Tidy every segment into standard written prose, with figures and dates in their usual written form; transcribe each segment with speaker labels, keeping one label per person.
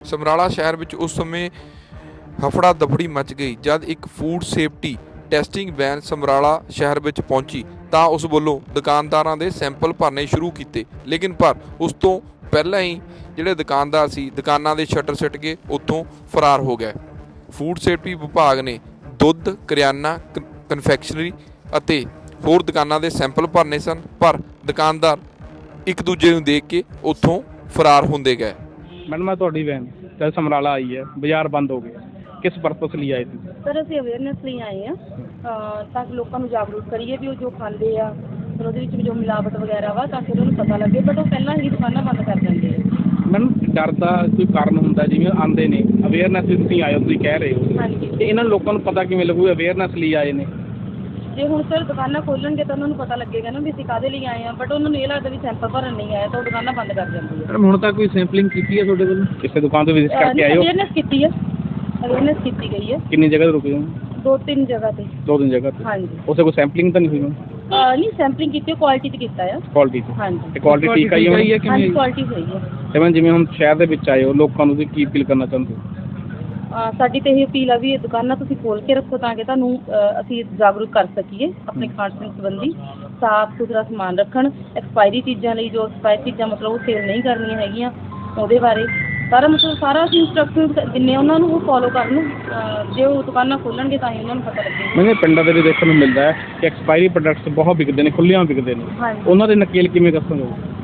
Speaker 1: ਸਮਰਾਲਾ ਸ਼ਹਿਰ ਵਿੱਚ ਉਸ ਸਮੇਂ ਹਫੜਾ ਦਫੜੀ ਮਚ ਗਈ ਜਦ ਇੱਕ food safety testing van Samrala ਸ਼ਹਿਰ ਵਿੱਚ ਪਹੁੰਚੀ ਤਾਂ ਉਸ ਵੱਲੋਂ ਦੁਕਾਨਦਾਰਾਂ ਦੇ ਸੈਂਪਲ ਭਰਨੇ ਸ਼ੁਰੂ ਕੀਤੇ। ਲੇਕਿਨ ਪਰ ਉਸ ਤੋਂ ਪਹਿਲਾਂ ਹੀ ਜਿਹੜੇ ਦੁਕਾਨਦਾਰ ਸੀ ਦੁਕਾਨਾਂ ਦੇ ਸ਼ਟਰ ਸਿੱਟ ਕੇ ਉੱਥੋਂ ਫਰਾਰ ਹੋ ਗਏ। ਫੂਡ ਸੇਫਟੀ ਵਿਭਾਗ ਨੇ ਦੁੱਧ, ਕਰਿਆਨਾ, ਕਨਫੈਕਸ਼ਨਰੀ ਅਤੇ ਹੋਰ ਦੁਕਾਨਾਂ ਦੇ ਸੈਂਪਲ ਭਰਨੇ ਸਨ, ਪਰ ਦੁਕਾਨਦਾਰ ਇੱਕ ਦੂਜੇ ਨੂੰ ਦੇਖ ਕੇ ਉੱਥੋਂ ਫਰਾਰ ਹੁੰਦੇ ਗਏ।
Speaker 2: मैडम मैं थोड़ी वैन जब समराला आई है बाजार बंद हो गया, किस पर्पस लिए आए थे?
Speaker 3: सर ਅਸੀਂ ਅਵੇਅਰਨੈਸ ਲਈ ਆਏ ਆ ਤਾਂ ਕਿ ਲੋਕਾਂ ਨੂੰ ਜਾਗਰੂਕ ਕਰੀਏ ਵੀ ਉਹ ਜੋ ਖਾਂਦੇ ਆ ਫਿਰ ਉਹਦੇ ਵਿੱਚ ਵੀ ਜੋ ਮਿਲਾਵਟ ਵਗੈਰਾ ਵਾ ਤਾਂ ਕਿ ਉਹਨਾਂ ਨੂੰ ਪਤਾ ਲੱਗੇ, ਬਟ ਉਹ ਪਹਿਲਾਂ ਹੀ ਦੁਕਾਨਾਂ ਬੰਦ ਕਰ ਦਿੰਦੇ ਆ।
Speaker 2: मैडम डर का कोई कारण ਹੁੰਦਾ ਜਿਵੇਂ ਆਉਂਦੇ ਨੇ ਅਵੇਅਰਨੈਸ ਵੀ ਤੁਸੀਂ ਆਏ ਹੋ, ਤੁਸੀਂ ਕਹਿ ਰਹੇ ਹੋ
Speaker 3: ਹਾਂਜੀ,
Speaker 2: ਤੇ ਇਹਨਾਂ ਲੋਕਾਂ ਨੂੰ ਪਤਾ ਕਿਵੇਂ ਲੱਗੂ ਅਵੇਅਰਨੈਸ ਲਈ ਆਏ ਨੇ?
Speaker 3: ਜੇ ਹੁਣ ਸਰ ਦੁਕਾਨਾਂ ਖੋਲਣਗੇ ਤਾਂ ਉਹਨਾਂ ਨੂੰ ਪਤਾ ਲੱਗੇਗਾ ਨਾ ਵੀ ਅਸੀਂ ਕਾਹਦੇ ਲਈ ਆਏ ਆ, ਬਟ ਉਹਨਾਂ ਨੂੰ ਇਹ ਲੱਗਦਾ ਵੀ ਸੈਂਪਲ ਭਰਨ ਨਹੀਂ ਆਏ ਤਾਂ ਉਹ ਦੁਕਾਨਾਂ ਬੰਦ ਕਰ ਦਿੰਦੀ ਆ।
Speaker 2: ਮੈਡਮ ਹੁਣ ਤੱਕ ਕੋਈ ਸੈਂਪਲਿੰਗ ਕੀਤੀ ਹੈ ਤੁਹਾਡੇ ਵੱਲੋਂ? ਕਿਸੇ ਦੁਕਾਨ ਤੋਂ ਵਿਜ਼ਿਟ ਕਰਕੇ ਆਏ ਹੋ?
Speaker 3: ਅਵੇਅਰਨੈਸ ਕੀਤੀ ਹੈ, ਅਵੇਅਰਨੈਸ ਕੀਤੀ ਗਈ ਹੈ।
Speaker 2: ਕਿੰਨੀ ਜਗ੍ਹਾ ਤੇ ਰੁਕੇ ਹੋ?
Speaker 3: 2-3 ਜਗ੍ਹਾ ਤੇ।
Speaker 2: 2-3 ਜਗ੍ਹਾ ਤੇ?
Speaker 3: ਹਾਂਜੀ।
Speaker 2: ਉਸੇ ਕੋਈ ਸੈਂਪਲਿੰਗ ਤਾਂ ਨਹੀਂ ਹੋਈ?
Speaker 3: ਨਹੀਂ ਸੈਂਪਲਿੰਗ ਕੀਤੀ, ਕੁਆਲਿਟੀ ਤੇ ਕੀਤਾ ਆ।
Speaker 2: ਕੁਆਲਿਟੀ ਤੇ?
Speaker 3: ਹਾਂਜੀ।
Speaker 2: ਤੇ ਕੁਆਲਿਟੀ ਠੀਕ ਆਈ ਹੋਈ ਹੈ ਕਿ
Speaker 3: ਹਾਂਜੀ
Speaker 2: ਨਹੀਂ?
Speaker 3: ਕੁਆਲਿਟੀ ਸਹੀ ਹੈ।
Speaker 2: ਤੇ ਮੈਂ ਜਿਵੇਂ ਹੁਣ ਸ਼ਹਿਰ ਦੇ ਵਿੱਚ ਆਏ ਹੋ, ਲੋਕਾਂ ਨੂੰ ਤੁਸੀਂ ਕੀ ਅਪੀਲ ਕਰਨਾ ਚਾਹੁੰਦੇ ਹੋ?
Speaker 3: ਸਾਡੀ ਤਾਂ ਇਹ ਅਪੀਲ ਆ ਵੀ ਇਹ ਦੁਕਾਨਾਂ ਤੁਸੀਂ ਖੋਲ੍ਹ ਕੇ ਰੱਖੋ ਤਾਂ ਕਿ ਤੁਹਾਨੂੰ ਅਸੀਂ ਜਾਗਰੂਕ ਕਰ ਸਕੀਏ ਆਪਣੇ ਖਾਣ ਪੀਣ ਸੰਬੰਧੀ। ਸਾਫ਼ ਸੁਥਰਾ ਸਮਾਨ ਰੱਖਣ, ਐਕਸਪਾਇਰੀ ਚੀਜ਼ਾਂ ਲਈ ਜੋ ਐਕਸਪਾਇਰੀ ਚੀਜ਼ਾਂ ਮਤਲਬ ਉਹ ਸੇਲ ਨਹੀਂ ਕਰਨੀਆਂ ਹੈਗੀਆਂ, ਉਹਦੇ ਬਾਰੇ ਸਾਰਾ ਅਸੀਂ ਇੰਸਟਰਕਸ਼ਨ ਦਿੰਦੇ ਉਹਨਾਂ ਨੂੰ, ਉਹ ਫੋਲੋ ਕਰਨ। ਜੇ ਉਹ ਦੁਕਾਨਾਂ ਖੋਲ੍ਹਣਗੇ ਤਾਂ ਹੀ ਉਹਨਾਂ ਨੂੰ ਪਤਾ ਲੱਗੇਗਾ।
Speaker 2: ਮੈਨੂੰ ਪਿੰਡਾਂ ਦੇ ਵਿੱਚ ਦੇਖਣ ਨੂੰ ਮਿਲਦਾ ਹੈ ਕਿ ਐਕਸਪਾਇਰੀ ਪ੍ਰੋਡਕਟਸ ਬਹੁਤ ਵਿਕਦੇ ਨੇ, ਖੁੱਲ੍ਹਿਆਂ ਵਿਕਦੇ ਨੇ।
Speaker 3: ਹਾਂਜੀ।
Speaker 2: ਉਹਨਾਂ ਦੇ ਨਕੇਲ ਕਿਵੇਂ ਦੱਸੋਗੇ?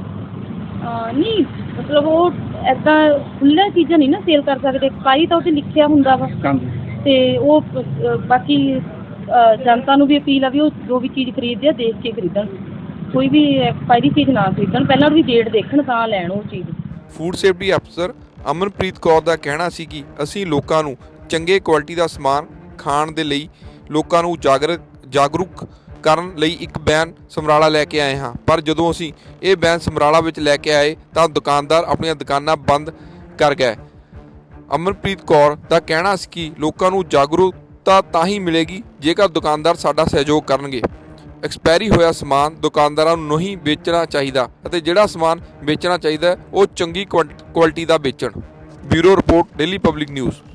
Speaker 3: ਨਹੀਂ ਮਤਲਬ ਉਹ ਇੱਦਾਂ ਖੁੱਲ੍ਹੀਆਂ ਚੀਜ਼ਾਂ ਨਹੀਂ ਨਾ ਸੇਲ ਕਰ ਸਕਦੇ, ਐਕਸਪਾਇਰੀ ਤਾਂ ਉਹ 'ਤੇ ਲਿਖਿਆ ਹੁੰਦਾ ਵਾ।
Speaker 2: ਹਾਂਜੀ।
Speaker 3: ਅਤੇ ਉਹ ਬਾਕੀ ਜਨਤਾ ਨੂੰ ਵੀ ਅਪੀਲ ਆ ਵੀ ਉਹ ਜੋ ਵੀ ਚੀਜ਼ ਖਰੀਦਦੇ ਆ ਦੇਖ ਕੇ ਖਰੀਦਣ, ਕੋਈ ਵੀ ਐਕਸਪਾਇਰੀ ਚੀਜ਼ ਨਾ ਖਰੀਦਣ, ਪਹਿਲਾਂ ਉਹਦੀ ਡੇਟ ਦੇਖਣ ਤਾਂ ਲੈਣ ਉਹ ਚੀਜ਼।
Speaker 1: ਫੂਡ ਸੇਫਟੀ ਅਫਸਰ ਅਮਨਪ੍ਰੀਤ ਕੌਰ ਦਾ ਕਹਿਣਾ ਸੀ ਕਿ ਅਸੀਂ ਲੋਕਾਂ ਨੂੰ ਚੰਗੇ ਕੁਆਲਿਟੀ ਦਾ ਸਮਾਨ ਖਾਣ ਦੇ ਲਈ ਲੋਕਾਂ ਨੂੰ ਜਾਗਰੂਕ ਕਰਨ ਲਈ ਇੱਕ ਵੈਨ ਸਮਰਾਲਾ ਲੈ ਕੇ ਆਏ ਹਾਂ, ਪਰ ਜਦੋਂ ਅਸੀਂ ਇਹ ਵੈਨ ਸਮਰਾਲਾ ਵਿੱਚ ਲੈ ਕੇ ਆਏ ਤਾਂ ਦੁਕਾਨਦਾਰ ਆਪਣੀਆਂ ਦੁਕਾਨਾਂ ਬੰਦ ਕਰ ਗਏ। ਅਮਨਪ੍ਰੀਤ ਕੌਰ ਦਾ ਕਹਿਣਾ ਸੀ ਕਿ ਲੋਕਾਂ ਨੂੰ ਜਾਗਰੂਕਤਾ ਤਾਂ ਹੀ ਮਿਲੇਗੀ ਜੇਕਰ ਦੁਕਾਨਦਾਰ ਸਾਡਾ ਸਹਿਯੋਗ ਕਰਨਗੇ। ਐਕਸਪਾਇਰੀ ਹੋਇਆ ਸਮਾਨ ਦੁਕਾਨਦਾਰਾਂ ਨੂੰ ਨਹੀਂ ਵੇਚਣਾ ਚਾਹੀਦਾ ਅਤੇ ਜਿਹੜਾ ਸਮਾਨ ਵੇਚਣਾ ਚਾਹੀਦਾ ਉਹ ਚੰਗੀ ਕੁਆਲਿਟੀ ਦਾ ਵੇਚਣ। Bureau report, daily public news.